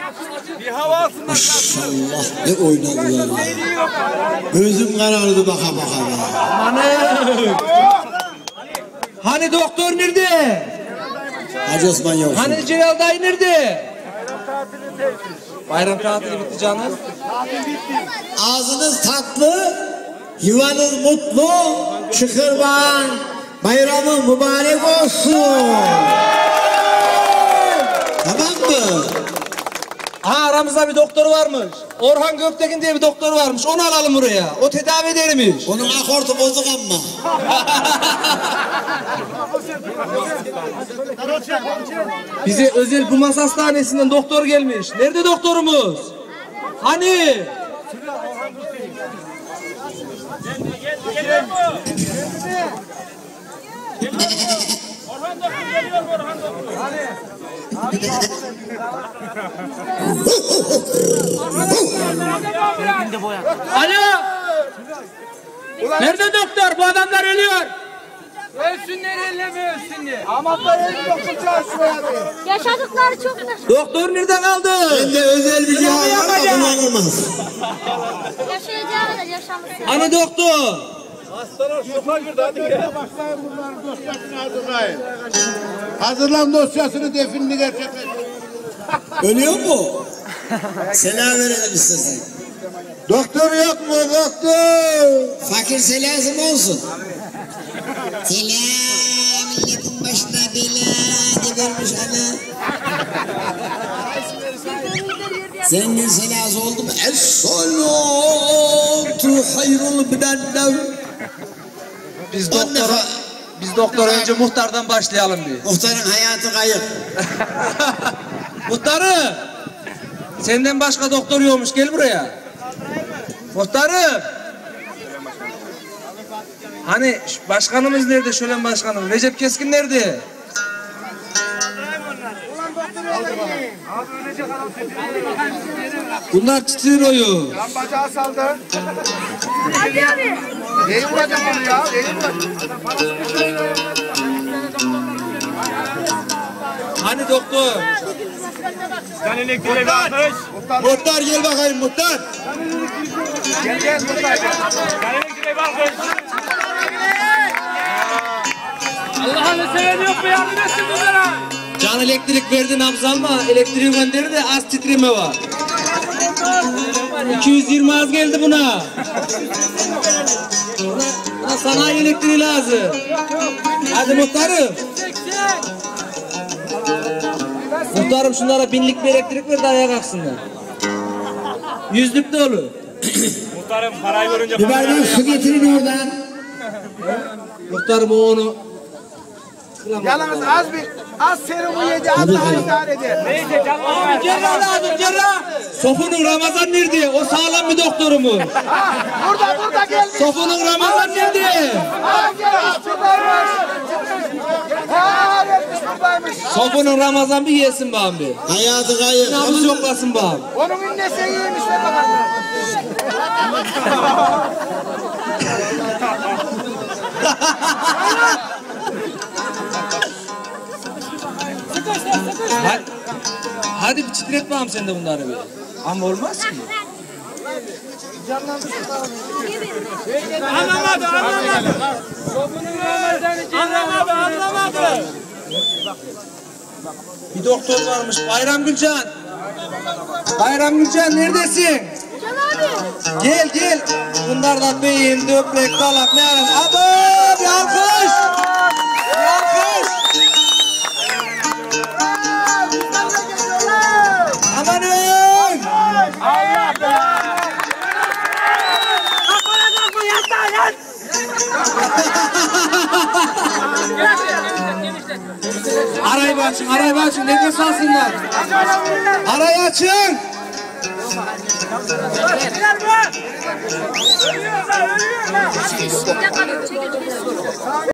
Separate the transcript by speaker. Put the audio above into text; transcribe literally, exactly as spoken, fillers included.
Speaker 1: Bir hava alsınlar.
Speaker 2: Maşallah ne oynadılar. Gözüm karardı baka baka.
Speaker 3: Hani? Hani doktor nerede?
Speaker 2: Hacı Osman yok.
Speaker 3: Hani Celal dayı nerede? Bayram tatili bitti canım.
Speaker 2: Ağzınız tatlı, yuvanız mutlu, şükürban, bayramı mübarek olsun. Tamam mı?
Speaker 3: Aha aramızda bir doktor varmış. Orhan Göktekin diye bir doktor varmış. Onu alalım buraya. O tedavi edermiş.
Speaker 2: Onun akortu bozuk ama.
Speaker 3: Bize özel Bumas Hastanesi'nden doktor gelmiş. Nerede doktorumuz? Hani?
Speaker 1: Orhan doktor geliyor mu Orhan doktor?
Speaker 3: Alo! Nerede doktor? Bu adamlar ölüyor.
Speaker 1: Ölsünler elleme ölsünler.
Speaker 4: Yaşadıkları çok da.
Speaker 3: Doktor nerede kaldı?
Speaker 2: Bende özel bir cihaz var da kullanılmaz.
Speaker 4: Yaşayacağını da yaşamışsın.
Speaker 3: Hani doktor?
Speaker 1: Hastalar sopa girdi hadi gel.
Speaker 5: Başlayın bunların dosyasını hazırlayın. Hazırlan dosyasını, definini gerçekleştirin.
Speaker 2: Ölüyor mu? Selam verelim istesin.
Speaker 5: Doktor yok mu doktor?
Speaker 2: Fakir selasım olsun. Selam milletin başına bela gebermiş ana. Zengin selası oldu mu? Es-salatu hayrul minennev.
Speaker 3: Biz doktora, biz doktora önce muhtardan başlayalım bir.
Speaker 2: Muhtarın hayatı kayıp.
Speaker 3: Muhtarım! Senden başka doktor yokmuş, gel buraya. Muhtarım! Hani başkanımız nerede, şölen başkanım? Recep Keskin nerede? Bunlar titriyor oyu.
Speaker 5: Lan bacağı saldı.
Speaker 4: Hadi abi.
Speaker 5: Neyi vuracak onu ya? Neyi vuracak?
Speaker 3: Hani doktor?
Speaker 1: Sen elektriğe bir arkadaş.
Speaker 2: Muhtar gel bakayım muhtar.
Speaker 5: Gel gel buradaydı.
Speaker 1: Sen elektriğe bir arkadaş. Allah'ını seven yok mu yardım etsin bunlara?
Speaker 3: Can elektrik verdi nabız alma, elektriği gönderir de az titreme var. iki yüz yirmi az geldi buna. Buna, buna sanayi elektriği lazım. Hadi muhtarım. Muhtarım şunlara binlik bir elektrik ver de ayağa kalksınlar. Yüzlük de olur.
Speaker 1: Muhtarım parayı görünce
Speaker 2: Bir bardak su getirin oradan.
Speaker 3: Muhtarım o onu.
Speaker 5: Yalnız az bir az serumu yedi. Az daha idare eder.
Speaker 1: neyse canım.
Speaker 3: Abi cerrah lazım cerrah. Sofunun Ramazan nerede? O sağlam bir doktorumuz.
Speaker 5: Burada burada gel.
Speaker 3: Sofunun Ramazan nerede?
Speaker 5: Ha gel. Buradaymış. Ha gelmiş buradaymış.
Speaker 3: Sofunun Ramazan bir yesin bana bir.
Speaker 2: Hayatı kayıp.
Speaker 3: Nabız yoklasın bana.
Speaker 5: Onun innesi iyiymiş de bakalım.
Speaker 3: Hadi, hadi bir titret bakalım sen de bunları bir. Ama olmaz ki.
Speaker 1: Anlamadı anlamadı. Anlamadı anlamadı.
Speaker 3: Bir doktor varmış Bayram Gülcan. Bayram Gülcan neredesin?
Speaker 4: Can abi.
Speaker 3: Gel gel. Bunlar da beyin, döbrek, dalak ne aran? Abo bir alkış. Bir alkış. Amanın.
Speaker 1: Allah be.
Speaker 3: Arayı açın, arayı açın. Nefes alsınlar. Arayı açın.
Speaker 1: Ölüyorlar ölüyorlar.
Speaker 4: Çekil, çekil.